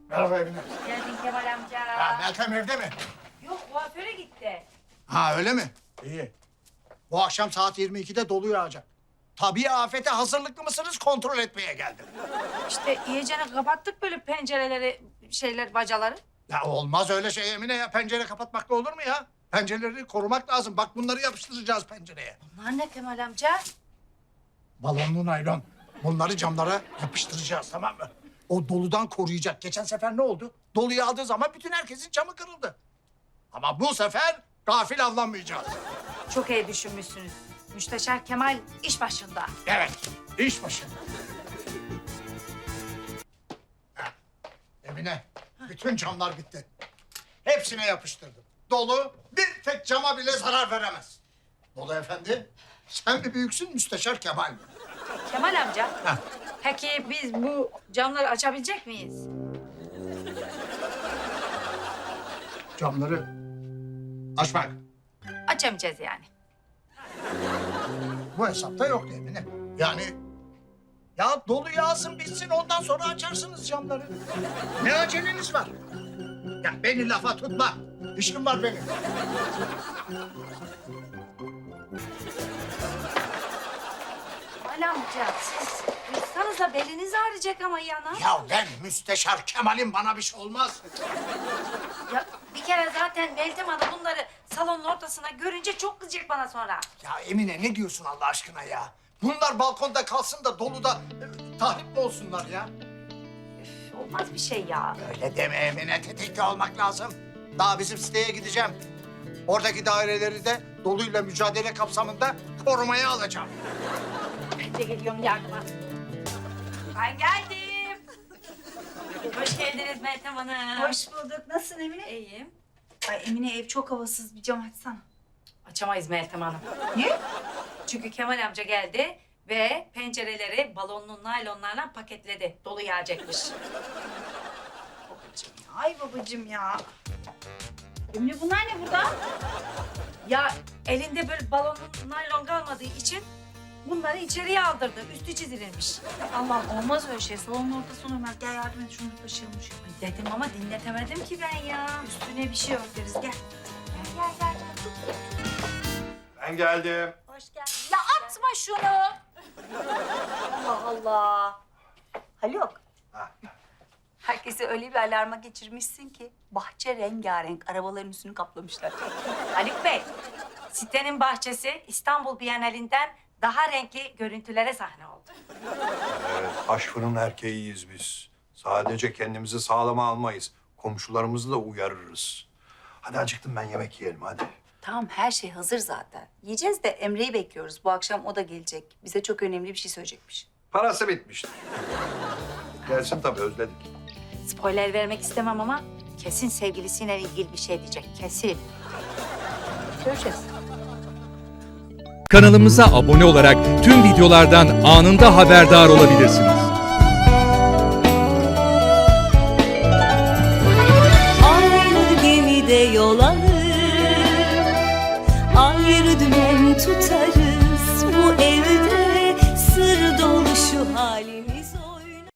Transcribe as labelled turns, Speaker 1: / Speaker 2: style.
Speaker 1: Merhaba Emine.
Speaker 2: Geldin Kemal amca.
Speaker 1: Ha, Meltem evde mi?
Speaker 2: Yok, kuaföre gitti.
Speaker 1: Ha öyle mi? İyi. Bu akşam saat 22'de dolu yağacak. Tabii afete hazırlıklı mısınız kontrol etmeye geldim.
Speaker 2: İşte iyicene kapattık böyle pencereleri, bacaları.
Speaker 1: Ya olmaz öyle şey Emine ya. Pencere kapatmakla olur mu ya? Pencereleri korumak lazım. Bak bunları yapıştıracağız pencereye.
Speaker 2: Bunlar ne Kemal amca?
Speaker 1: Balonlu naylon. Bunları camlara yapıştıracağız, tamam mı? O doludan koruyacak. Geçen sefer ne oldu? Dolu yağdığı zaman bütün herkesin camı kırıldı. Ama bu sefer gafil avlanmayacağız.
Speaker 2: Çok iyi düşünmüşsünüz. Müsteşar Kemal iş başında.
Speaker 1: Evet, iş başında. Heh, Emine, bütün camlar bitti. Hepsine yapıştırdım. Dolu bir tek cama bile zarar veremez. Dolu efendi, sen mi büyüksün Müsteşar Kemal mi?
Speaker 2: Kemal amca,
Speaker 1: Heh.
Speaker 2: peki biz bu camları açabilecek miyiz?
Speaker 1: Camları açmak.
Speaker 2: Açamayacağız yani.
Speaker 1: Bu hesapta yok Emine. Yani ya dolu yağsın bitsin ondan sonra açarsınız camları. Ne aceleniz var? Ya beni lafa tutma. İşim var benim.
Speaker 2: Kemal amca, siz yırtsanıza beliniz ağrıyacak ama yana.
Speaker 1: Ya ben Müsteşar Kemal'im, bana bir şey olmaz.
Speaker 2: Ya bir kere zaten Meltem Hanım bunları salonun ortasına görünce çok kızacak bana sonra.
Speaker 1: Ya Emine ne diyorsun Allah aşkına ya? Bunlar balkonda kalsın da doluda tahrip mi olsunlar ya?
Speaker 2: Üf, olmaz bir şey ya.
Speaker 1: Öyle deme Emine, tetikte olmak lazım. Daha bizim siteye gideceğim. Oradaki daireleri de doluyla mücadele kapsamında korumaya alacağım.
Speaker 2: Ben de geliyorum yardıma. Ben geldim. Hoş geldiniz Meltem Hanım.
Speaker 3: Hoş bulduk. Nasılsın Emine?
Speaker 2: İyiyim.
Speaker 3: Ay Emine ev çok havasız. Bir cam açsana.
Speaker 2: Açamayız Meltem Hanım.
Speaker 3: Niye?
Speaker 2: Çünkü Kemal amca geldi ve pencereleri balonlu naylonlarla paketledi. Dolu yağacakmış.
Speaker 3: Babacığım ya. Ay babacığım ya. Emine bunlar ne burada?
Speaker 2: Ya elinde böyle balonlu naylon kalmadığı için bunları içeriye aldırdı. Üstü çizilirmiş.
Speaker 3: Allah'ım olmaz öyle şey. Salonun ortasına Ömer. Gel yardım et şunu taşıyalım.
Speaker 2: Ay dedim ama dinletemedim ki ben ya.
Speaker 3: Üstüne bir şey örteriz. Gel. Gel. Tut.
Speaker 4: Ben geldim.
Speaker 3: Hoş geldin. Ya atma şunu. Allah Allah. Haluk.
Speaker 4: Ha.
Speaker 3: Herkesi öyle bir alarma geçirmişsin ki bahçe rengarenk arabaların üstünü kaplamışlar.
Speaker 2: Haluk Bey, sitenin bahçesi İstanbul Bienalinden daha renkli görüntülere sahne oldu.
Speaker 4: Evet, taş fırın erkeğiyiz biz. Sadece kendimizi sağlama almayız. Komşularımızı da uyarırız. Hadi acıktım ben, yemek yiyelim hadi.
Speaker 3: Tamam her şey hazır zaten. Yiyeceğiz de Emre'yi bekliyoruz. Bu akşam o da gelecek. Bize çok önemli bir şey söyleyecekmiş.
Speaker 4: Parası bitmiştir. Gelsin tabii, özledik.
Speaker 2: Spoiler vermek istemem ama kesin sevgilisiyle ilgili bir şey diyecek. Kesin. Göreceğiz.
Speaker 5: Kanalımıza abone olarak tüm videolardan anında haberdar olabilirsiniz.
Speaker 6: Aynı gemide yol alır, ayrı dümen tutarız.